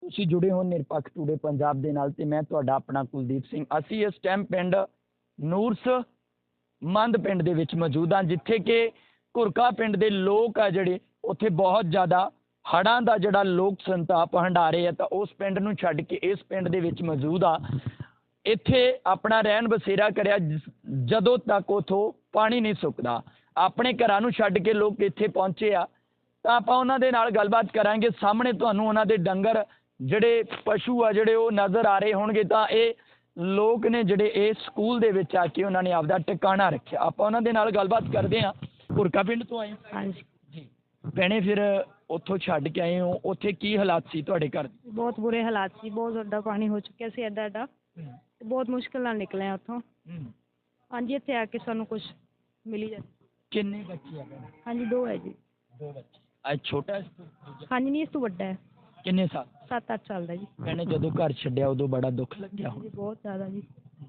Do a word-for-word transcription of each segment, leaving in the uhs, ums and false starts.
ਤੁਸੀਂ ਜੁੜੇ ਹੋ ਨਿਰਪੱਖ ਟੂਡੇ ਪੰਜਾਬ ਦੇ ਨਾਲ ਤੇ ਮੈਂ ਤੁਹਾਡਾ ਆਪਣਾ ਕੁਲਦੀਪ ਸਿੰਘ। ਅਸੀਂ ਇਸ ਟਾਈਮ ਪਿੰਡ ਨੂਰਸ ਮੰਦ ਪਿੰਡ ਦੇ ਵਿੱਚ ਮੌਜੂਦ ਹਾਂ, ਜਿੱਥੇ ਕਿ ਘੁਰਕਾ ਪਿੰਡ ਦੇ ਲੋਕ ਆ ਜਿਹੜੇ ਉੱਥੇ ਬਹੁਤ ਜ਼ਿਆਦਾ ਹੜ੍ਹਾਂ ਦਾ ਜਿਹੜਾ ਲੋਕ ਸੰਤਾਪ ਹੰਢਾ ਰਹੇ ਆ, ਤਾਂ ਉਸ ਪਿੰਡ ਨੂੰ ਛੱਡ ਕੇ ਇਸ ਪਿੰਡ ਦੇ ਵਿੱਚ ਮੌਜੂਦ ਆ। ਇੱਥੇ ਆਪਣਾ ਰਹਿਣ ਬਸੇਰਾ ਕਰਿਆ ਜਦੋਂ ਤੱਕ ਉਥੋਂ ਪਾਣੀ ਨਹੀਂ ਸੁੱਕਦਾ। ਆਪਣੇ ਘਰਾਂ ਨੂੰ ਛੱਡ ਕੇ ਲੋਕ ਇੱਥੇ ਪਹੁੰਚੇ ਆ, ਤਾਂ ਆਪਾਂ ਉਹਨਾਂ ਦੇ ਨਾਲ ਗੱਲਬਾਤ ਕਰਾਂਗੇ। ਸਾਹਮਣੇ ਤੁਹਾਨੂੰ ਉਹਨਾਂ ਦੇ ਡੰਗਰ ਜਿਹੜੇ ਪਸ਼ੂ ਆ ਜਿਹੜੇ ਉਹ ਨਜ਼ਰ ਆ ਰਹੇ ਹੋਣਗੇ। ਤਾਂ ਇਹ ਲੋਕ ਨੇ ਜਿਹੜੇ ਇਹ ਸਕੂਲ ਦੇ ਵਿੱਚ ਆ ਕੇ ਉਹਨਾਂ ਨੇ ਆਪਦਾ ਟਿਕਾਣਾ ਰੱਖਿਆ। ਆਪਾਂ ਉਹਨਾਂ ਦੇ ਨਾਲ ਗੱਲਬਾਤ ਕਰਦੇ ਹਾਂ। ਘੁਰਕਾ ਪਿੰਡ ਤੋਂ ਆਏ ਹੋ? ਹਾਂਜੀ ਜੀ ਭੈਣੇ, ਫਿਰ ਉੱਥੋਂ ਛੱਡ ਕੇ ਆਏ ਹੋ, ਉੱਥੇ ਕੀ ਹਾਲਾਤ ਸੀ ਤੁਹਾਡੇ ਘਰ ਦੇ? ਬਹੁਤ ਬੁਰੇ ਹਾਲਾਤ ਸੀ, ਬਹੁਤ ਵੱਡਾ ਪਾਣੀ ਹੋ ਚੁੱਕਿਆ ਸੀ ਐਡਾ ਐਡਾ, ਬਹੁਤ ਮੁਸ਼ਕਿਲ ਨਾਲ ਨਿਕਲੇ ਹਾਂ ਉੱਥੋਂ। ਹਾਂਜੀ, ਇੱਥੇ ਆ ਕੇ ਸਾਨੂੰ ਕੁਝ ਮਿਲੀ ਜਾ। ਕਿੰਨੇ ਬੱਚੇ ਆ ਭੈਣੇ? ਹਾਂਜੀ ਦੋ ਹੈ ਜੀ। ਦੋ ਬੱਚੇ। ਅੱਜ ਛੋਟਾ ਇਸ ਤੋਂ? ਹਾਂਜੀ ਨਹੀਂ, ਇਸ ਤੋਂ ਵੱਡਾ ਹੈ। ਕਿੰਨੇ ਸਾਲ? ਸੱਤ ਅੱਠ ਸਾਲ ਦਾ ਜੀ। ਭੈਣੇ, ਜਦੋਂ ਘਰ ਛੱਡਿਆ ਉਦੋਂ ਬੜਾ ਦੁੱਖ ਲੱਗਿਆ ਜੀ ਬਹੁਤ ਜ਼ਿਆਦਾ ਜੀ।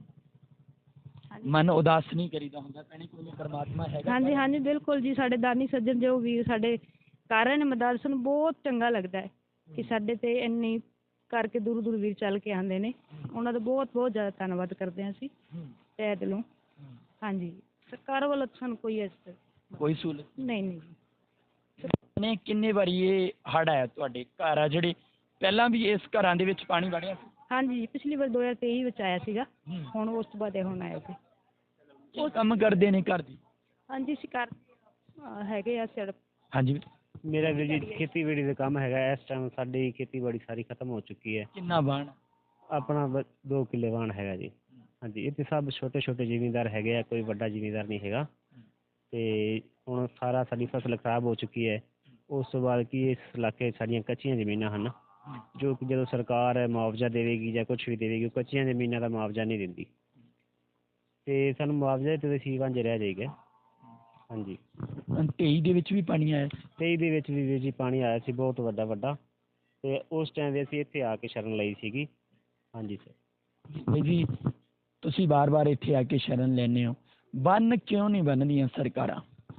ਮਨ ਉਦਾਸ ਨਹੀਂ ਕਰੀਦਾ ਹੁੰਦਾ ਭੈਣੇ? ਕੋਈ ਪਰਮਾਤਮਾ ਹੈਗਾ? ਹਾਂਜੀ ਹਾਂਜੀ ਬਿਲਕੁਲ ਜੀ। ਸਾਡੇ ਦਾਨੀ ਸੱਜਣ ਜੋ ਵੀਰ ਸਾਡੇ ਕਾਰਨ ਮਦਦ ਸਾਨੂੰ ਬਹੁਤ ਚੰਗਾ ਲੱਗਦਾ ਹੈ ਕਿ ਸਾਡੇ ਤੇ ਇੰਨੀ ਕਰਕੇ ਦੂਰ ਦੂਰ ਵੀਰ ਚੱਲ ਕੇ ਆਉਂਦੇ ਨੇ। ਉਹਨਾਂ ਦਾ ਬਹੁਤ ਬਹੁਤ ਜ਼ਿਆਦਾ ਧੰਨਵਾਦ ਕਰਦੇ ਹਾਂ ਅਸੀਂ ਤਹਿ ਦਿਲੋਂ। ਹਾਂਜੀ, ਸਰਕਾਰ ਵੱਲੋਂ ਸਾਨੂੰ ਕੋਈ ਇਸ ਕੋਈ ਸਹੂਲਤ ਨਹੀਂ ਨਹੀਂ ਜੀ। ਨੇ ਕਿੰਨੇ ਵਾਰੀ ਇਹ ਹੜ੍ਹ ਆਇਆ ਤੁਹਾਡੇ ਘਰ ਆ ਜਿਹੜੇ? ਪਹਿਲਾਂ ਵੀ ਇਸ ਘਰਾਂ ਦੇ ਵਿੱਚ ਪਾਣੀ ਵੜਿਆ ਸੀ? ਹਾਂਜੀ, ਪਿਛਲੀ ਵਾਰ ਦੋ ਹਜ਼ਾਰ ਤੇਈ ਵਿੱਚ ਆਇਆ ਸੀਗਾ। ਹੁਣ ਉਸ ਤੋਂ ਬਾਅਦ ਇਹ ਹੁਣ ਆਇਆ ਸੀ। ਉਹ ਕੰਮ ਕਰਦੇ ਨੇ ਘਰ ਦੀ? ਹਾਂਜੀ ਅਸੀਂ ਕਰ ਹੈਗੇ ਆ ਸੜਕ। ਹਾਂਜੀ, ਮੇਰਾ ਵੀਰ ਜੀ ਖੇਤੀਬਾੜੀ ਦਾ ਕੰਮ ਹੈਗਾ। ਇਸ ਟਾਈਮ ਸਾਡੀ ਖੇਤੀਬਾੜੀ ਸਾਰੀ ਖਤਮ ਹੋ ਚੁੱਕੀ ਹੈ। ਕਿੰਨਾ ਬਾਣ? ਆਪਣਾ ਬ- ਦੋ ਕਿੱਲੇ ਵਾਣ ਹੈਗਾ ਜੀ। ਹਾਂਜੀ, ਇੱਥੇ ਸਭ ਛੋਟੇ ਛੋਟੇ ਜ਼ਿਮੀਂਦਾਰ ਹੈਗੇ ਆ, ਕੋਈ ਵੱਡਾ ਜ਼ਿਮੀਂਦਾਰ ਨਹੀਂ ਹੈਗਾ। ਅਤੇ ਹੁਣ ਸਾਰਾ ਸਾਡੀ ਫਸਲ ਖਰਾਬ ਹੋ ਚੁੱਕੀ ਹੈ। ਉਸ ਤੋਂ ਬਾਅਦ ਕੀ ਇਸ ਇਲਾਕੇ ਸਾਡੀਆਂ ਕੱਚੀਆਂ ਜ਼ਮੀਨਾਂ ਹਨ, ਜੋ ਕਿ ਜਦੋਂ ਸਰਕਾਰ ਮੁਆਵਜ਼ਾ ਦੇਵੇਗੀ ਜਾਂ ਕੁਛ ਵੀ ਦੇਵੇਗੀ, ਉਹ ਕੱਚੀਆਂ ਜ਼ਮੀਨਾਂ ਦਾ ਮੁਆਵਜ਼ਾ ਨਹੀਂ ਦਿੰਦੀ ਅਤੇ ਸਾਨੂੰ ਮੁਆਵਜ਼ੇ ਤੇ ਸੀ ਵਾਂਝੇ ਰਹਿ ਜਾਏਗਾ। ਹਾਂਜੀ, ਤੇਈ ਦੇ ਵਿੱਚ ਵੀ ਪਾਣੀ ਆਇਆ? ਤੇਈ ਦੇ ਵਿੱਚ ਵੀ ਵੀਰ ਜੀ ਪਾਣੀ ਆਇਆ ਸੀ ਬਹੁਤ ਵੱਡਾ ਵੱਡਾ, ਅਤੇ ਉਸ ਟਾਈਮ ਦੇ ਅਸੀਂ ਇੱਥੇ ਆ ਕੇ ਸ਼ਰਨ ਲਈ ਸੀਗੀ। ਹਾਂਜੀ ਸਰ। ਜੀ ਤੁਸੀਂ ਵਾਰ ਵਾਰ ਇੱਥੇ ਆ ਕੇ ਸ਼ਰਨ ਲੈਂਦੇ ਹੋ, ਬੰਨ ਕਿਉਂ ਨਹੀਂ ਬੰਨ੍ਹਦੀਆਂ ਸਰਕਾਰਾਂ?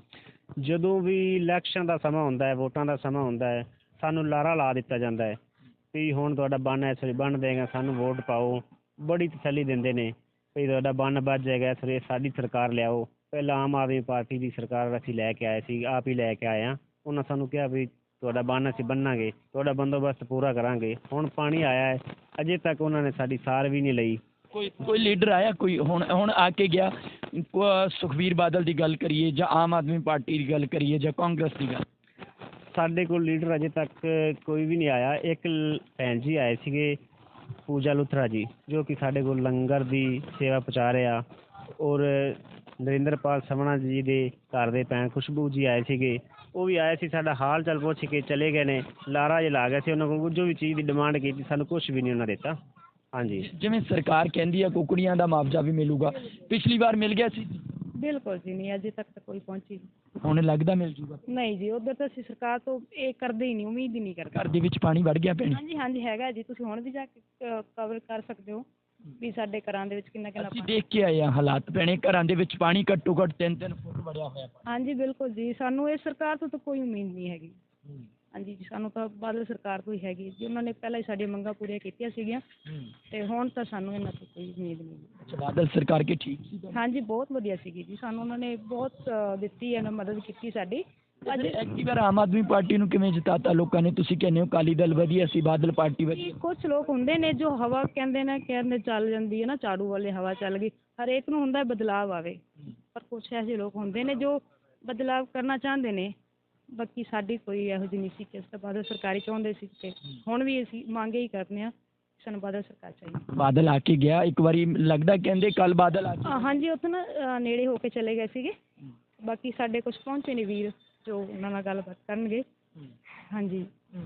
ਜਦੋਂ ਵੀ ਇਲੈਕਸ਼ਨ ਦਾ ਸਮਾਂ ਹੁੰਦਾ ਹੈ, ਵੋਟਾਂ ਦਾ ਸਮਾਂ ਹੁੰਦਾ ਹੈ, ਸਾਨੂੰ ਲਾਰਾ ਲਾ ਦਿੱਤਾ ਜਾਂਦਾ ਹੈ ਵੀ ਹੁਣ ਤੁਹਾਡਾ ਬੰਨ ਇਸ ਵਾਰੀ ਬੰਨ੍ਹ ਦੇਗਾ, ਸਾਨੂੰ ਵੋਟ ਪਾਓ। ਬੜੀ ਤਸੱਲੀ ਦਿੰਦੇ ਨੇ ਵੀ ਤੁਹਾਡਾ ਬੰਨ ਵੱਜ ਜਾਏਗਾ, ਇਸ ਵਾਰੀ ਸਾਡੀ ਸਰਕਾਰ ਲਿਆਓ। ਪਹਿਲਾਂ ਆਮ ਆਦਮੀ ਪਾਰਟੀ ਦੀ ਸਰਕਾਰ ਅਸੀਂ ਲੈ ਕੇ ਆਏ ਸੀ, ਆਪ ਹੀ ਲੈ ਕੇ ਆਏ ਹਾਂ। ਉਹਨਾਂ ਸਾਨੂੰ ਕਿਹਾ ਵੀ ਤੁਹਾਡਾ ਬੰਨ ਅਸੀਂ ਬੰਨਾਂਗੇ, ਤੁਹਾਡਾ ਬੰਦੋਬਸਤ ਪੂਰਾ ਕਰਾਂਗੇ। ਹੁਣ ਪਾਣੀ ਆਇਆ ਹੈ, ਅਜੇ ਤੱਕ ਉਹਨਾਂ ਨੇ ਸਾਡੀ ਸਾਰ ਵੀ ਨਹੀਂ ਲਈ। ਕੋਈ ਕੋਈ ਲੀਡਰ ਆਇਆ ਕੋਈ ਹੁਣ ਹੁਣ ਆ ਕੇ ਗਿਆ? ਕੋ- ਸੁਖਬੀਰ ਬਾਦਲ ਦੀ ਗੱਲ ਕਰੀਏ ਜਾਂ ਆਮ ਆਦਮੀ ਪਾਰਟੀ ਦੀ ਗੱਲ ਕਰੀਏ ਜਾਂ ਕਾਂਗਰਸ ਦੀ ਗੱਲ? ਸਾਡੇ ਕੋਲ ਲੀਡਰ ਅਜੇ ਤੱਕ ਕੋਈ ਵੀ ਨਹੀਂ ਆਇਆ। ਇੱਕ ਲ- ਭੈਣ ਜੀ ਆਏ ਸੀਗੇ, ਪੂਜਾ ਲੁਥਰਾ ਜੀ, ਜੋ ਕਿ ਸਾਡੇ ਕੋਲ ਲੰਗਰ ਦੀ ਸੇਵਾ ਪਹੁੰਚਾ ਰਹੇ ਆ। ਔਰ ਨਰਿੰਦਰਪਾਲ ਸਮਣਾ ਜੀ ਦੇ ਘਰ ਦੇ ਭੈਣ ਖੁਸ਼ਬੂ ਜੀ ਆਏ ਸੀਗੇ, ਉਹ ਵੀ ਆਏ ਸੀ, ਸਾਡਾ ਹਾਲ ਚਾਲ ਪੁੱਛ ਕੇ ਚਲੇ ਗਏ ਨੇ। ਲਾਰਾ ਜਿਹਾ ਲਾ ਗਏ ਸੀ। ਉਹਨਾਂ ਕੋਲ ਜੋ ਵੀ ਚੀਜ਼ ਦੀ ਡਿਮਾਂਡ ਕੀਤੀ, ਸਾਨੂੰ ਕੁਛ ਵੀ ਨਹੀਂ ਉਹਨਾਂ ਦਿੱਤਾ। ਹਾਂਜੀ, ਜਿਵੇਂ ਸਰਕਾਰ ਕਹਿੰਦੀ ਆ ਕੁਕੜੀਆਂ ਦਾ ਮੁਆਵਜ਼ਾ ਵੀ ਮਿਲੂਗਾ, ਪਿਛਲੀ ਵਾਰ ਮਿਲ ਗਿਆ ਸੀ? ਬਿਲਕੁਲ ਜੀ ਨਹੀਂ, ਅਜੇ ਤੱਕ ਤਾਂ ਕੋਈ ਪਹੁੰਚੀ ਨਹੀਂ। ਹੁਣ ਲੱਗਦਾ ਮਿਲ ਜੂਗਾ? ਨਹੀਂ ਜੀ, ਉੱਧਰ ਤਾਂ ਅਸੀਂ ਸਰਕਾਰ ਤੋਂ ਇਹ ਕਰਦੇ ਹੀ ਨਹੀਂ, ਉਮੀਦ ਹੀ ਨਹੀਂ ਕਰਦੇ। ਘਰ ਦੇ ਵਿੱਚ ਪਾਣੀ ਵੜ ਗਿਆ ਭੈਣੇ? ਹਾਂਜੀ ਹਾਂਜੀ ਹੈਗਾ ਜੀ, ਤੁਸੀਂ ਹੁਣ ਵੀ ਜਾ ਕੇ ਕਵਰ ਕਰ ਸਕਦੇ ਹੋ ਵੀ ਸਾਡੇ ਘਰਾਂ ਦੇ ਵਿੱਚ ਕਿੰਨਾ ਕਿੰਨਾ ਅਸੀਂ ਪਾਣੀ। ਦੇਖ ਕੇ ਆਏ ਆ ਹਾਲਾਤ ਭੈਣੇ, ਘਰਾਂ ਦੇ ਵਿੱਚ ਪਾਣੀ ਘੱਟੋ ਘੱਟ ਤਿੰਨ ਤਿੰਨ ਫੁੱਟ ਵੜਿਆ ਹੋਇਆ ਪਾਣੀ। ਹਾਂਜੀ ਬਿਲਕੁਲ ਜੀ, ਸਾਨੂੰ ਇਹ ਸਰਕਾਰ ਤੋਂ ਤਾਂ ਕੋਈ ਉਮੀਦ ਨਹੀਂ ਹੈਗੀ। ਹਾਂਜੀ ਜੀ, ਸਾਨੂੰ ਤਾਂ ਬਾਦਲ ਸਰਕਾਰ ਤੋਂ ਹੀ ਹੈਗੀ ਜੀ। ਉਹਨਾਂ ਨੇ ਪਹਿਲਾਂ ਹੀ ਸਾਡੀਆਂ ਮੰਗਾਂ ਪੂਰੀਆਂ ਕੀਤੀਆਂ ਸੀਗੀਆਂ, ਅਤੇ ਹੁਣ ਤਾਂ ਸਾਨੂੰ ਇਹਨਾਂ ਤੋਂ ਕੋਈ ਉਮੀਦ ਨਹੀਂ। ਅੱਛਾ, ਬਾਦਲ ਸਰਕਾਰ ਕੇ ਠੀਕ ਸੀ? ਹਾਂਜੀ ਬਹੁਤ ਵਧੀਆ ਸੀਗੀ ਜੀ, ਸਾਨੂੰ ਉਹਨਾਂ ਨੇ ਬਹੁਤ ਅ, ਦਿੱਤੀ ਹੈ ਨਾ, ਮਦਦ ਕੀਤੀ ਸਾਡੀ। ਅੱਜ ਐਤਕੀ ਵਾਰ ਆਮ ਆਦਮੀ ਪਾਰਟੀ ਨੂੰ ਕਿਵੇਂ ਜਿਤਾਤਾ ਲੋਕਾਂ ਨੇ? ਤੁਸੀਂ ਕਹਿੰਦੇ ਹੋ ਅਕਾਲੀ ਦਲ ਵਧੀਆ ਸੀ, ਬਾਦਲ ਪਾਰਟੀ ਵਧੀਆ? ਕੁਛ ਲੋਕ ਹੁੰਦੇ ਨੇ ਜੋ ਹਵਾ ਕਹਿੰਦੇ ਨੇ, ਕਹਿੰਦੇ ਚੱਲ ਜਾਂਦੀ ਹੈ ਨਾ, ਝਾੜੂ ਵਾਲੇ ਹਵਾ ਚੱਲ ਗਈ। ਹਰੇਕ ਨੂੰ ਹੁੰਦਾ ਬਦਲਾਵ ਆਵੇ, ਪਰ ਕੁਛ ਇਹੋ ਜਿਹੇ ਲੋਕ ਹੁੰਦੇ ਨੇ ਜੋ ਬਦਲਾਵ ਕਰਨਾ ਚਾਹੁੰਦੇ ਨੇ। ਬਾਕੀ ਸਾਡੀ ਕੋਈ ਇਹੋ ਜਿਹੀ ਨਹੀਂ ਸੀ ਕਿ ਅਸੀਂ ਤਾਂ ਬਾਦਲ ਸਰਕਾਰੀ ਚਾਹੁੰਦੇ ਸੀ, ਅਤੇ ਹੁਣ ਵੀ ਅਸੀਂ ਮੰਗ ਹੀ ਕਰਦੇ ਹਾਂ, ਸਾਨੂੰ ਬਾਦਲ ਸਰਕਾਰ ਚਾਹੀਦੀ। ਬਾਦਲ ਆ ਕੇ ਗਿਆ ਇੱਕ ਵਾਰੀ, ਲੱਗਦਾ ਕਹਿੰਦੇ ਕੱਲ ਬਾਦਲ ਆ ਕੇ? ਹਾਂਜੀ, ਉੱਥੇ ਨਾ ਅ, ਨੇੜੇ ਹੋ ਕੇ ਚਲੇ ਗਏ ਸੀਗੇ। ਬਾਕੀ ਸਾਡੇ ਕੁਛ ਪਹੁੰਚੇ ਨੇ ਵੀਰ ਜੋ ਉਹਨਾਂ ਨਾਲ ਗੱਲਬਾਤ ਕਰਨਗੇ। ਹਾਂਜੀ,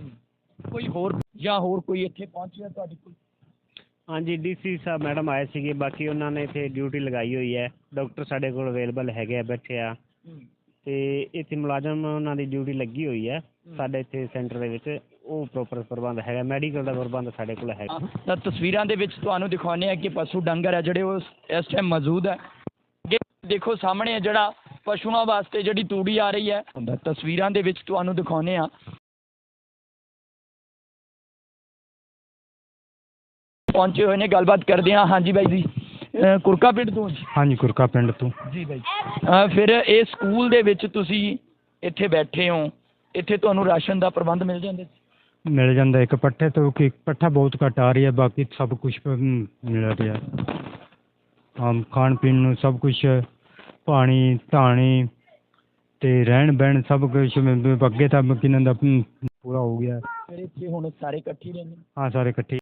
ਕੋਈ ਹੋਰ ਜਾਂ ਹੋਰ ਕੋਈ ਇੱਥੇ ਪਹੁੰਚਿਆ ਤੁਹਾਡੇ ਕੋਲ? ਹਾਂਜੀ, ਡੀ ਸੀ ਸਾਹਿਬ ਮੈਡਮ ਆਏ ਸੀਗੇ। ਬਾਕੀ ਉਹਨਾਂ ਨੇ ਇੱਥੇ ਡਿਊਟੀ ਲਗਾਈ ਹੋਈ ਹੈ। ਡਾਕਟਰ ਸਾਡੇ ਕੋਲ ਅਵੇਲੇਬਲ ਹੈਗੇ ਆ, ਬੈਠੇ ਆ, ਅਤੇ ਇੱਥੇ ਮੁਲਾਜ਼ਮ ਉਹਨਾਂ ਦੀ ਡਿਊਟੀ ਲੱਗੀ ਹੋਈ ਹੈ ਸਾਡੇ ਇੱਥੇ ਸੈਂਟਰ ਦੇ ਵਿੱਚ। ਉਹ ਪ੍ਰੋਪਰ ਪ੍ਰਬੰਧ ਹੈਗਾ, ਮੈਡੀਕਲ ਦਾ ਪ੍ਰਬੰਧ ਸਾਡੇ ਕੋਲ ਹੈਗਾ। ਤਾਂ ਤਸਵੀਰਾਂ ਦੇ ਵਿੱਚ ਤੁਹਾਨੂੰ ਦਿਖਾਉਂਦੇ ਆ ਕਿ ਪਸ਼ੂ ਡੰਗਰ ਹੈ ਜਿਹੜੇ ਉਹ ਇਸ ਟਾਈਮ ਮੌਜੂਦ ਹੈ। ਅੱਗੇ ਦੇਖੋ ਸਾਹਮਣੇ ਹੈ ਜਿਹੜਾ ਪਸ਼ੂਆਂ ਵਾਸਤੇ ਜਿਹੜੀ ਤੂੜੀ ਆ ਰਹੀ ਹੈ, ਤਸਵੀਰਾਂ ਦੇ ਵਿੱਚ ਤੁਹਾਨੂੰ ਦਿਖਾਉਂਦੇ ਆ। ਪਹੁੰਚੇ ਹੋਏ ਨੇ, ਗੱਲਬਾਤ ਕਰਦੇ ਹਾਂ। ਹਾਂਜੀ ਬਾਈ ਜੀ, ਅਹ ਕੁਰਕਾ ਪਿੰਡ ਤੋਂ ਜੀ? ਹਾਂਜੀ ਕੁਰਕਾ ਪਿੰਡ ਤੋਂ। ਜੀ ਬਾਈ, ਅਹ ਫਿਰ ਇਹ ਸਕੂਲ ਦੇ ਵਿੱਚ ਤੁਸੀਂ ਇੱਥੇ ਬੈਠੇ ਹੋ, ਇੱਥੇ ਤੁਹਾਨੂੰ ਰਾਸ਼ਨ ਦਾ ਪ੍ਰਬੰਧ ਮਿਲ ਜਾਂਦਾ? ਮਿਲ ਜਾਂਦਾ ਇੱਕ ਪੱਠੇ ਤੋਂ, ਕਿ ਪੱਠਾ ਬਹੁਤ ਘੱਟ ਆ ਰਹੀ ਹੈ, ਬਾਕੀ ਸਭ ਕੁਝ ਮਿਲ ਰਿਹਾ। ਆਮ ਖਾਣ ਪੀਣ ਨੂੰ ਸਭ ਕੁਛ, ਪਾਣੀ ਧਾਣੀ ਤੇ ਰਹਿਣ ਬਹਿਣ ਸਭ ਕੁਛ ਅੱਗੇ ਤਾਂ ਕਿਨਾਂ ਦਾ ਪੂਰਾ ਹੋ ਗਿਆ। ਫਿਰ ਇੱਥੇ ਹੁਣ ਸਾਰੇ ਇਕੱਠੇ ਰਹਿੰਦੇ? ਹਾਂ ਸਾਰੇ ਇਕੱਠੇ।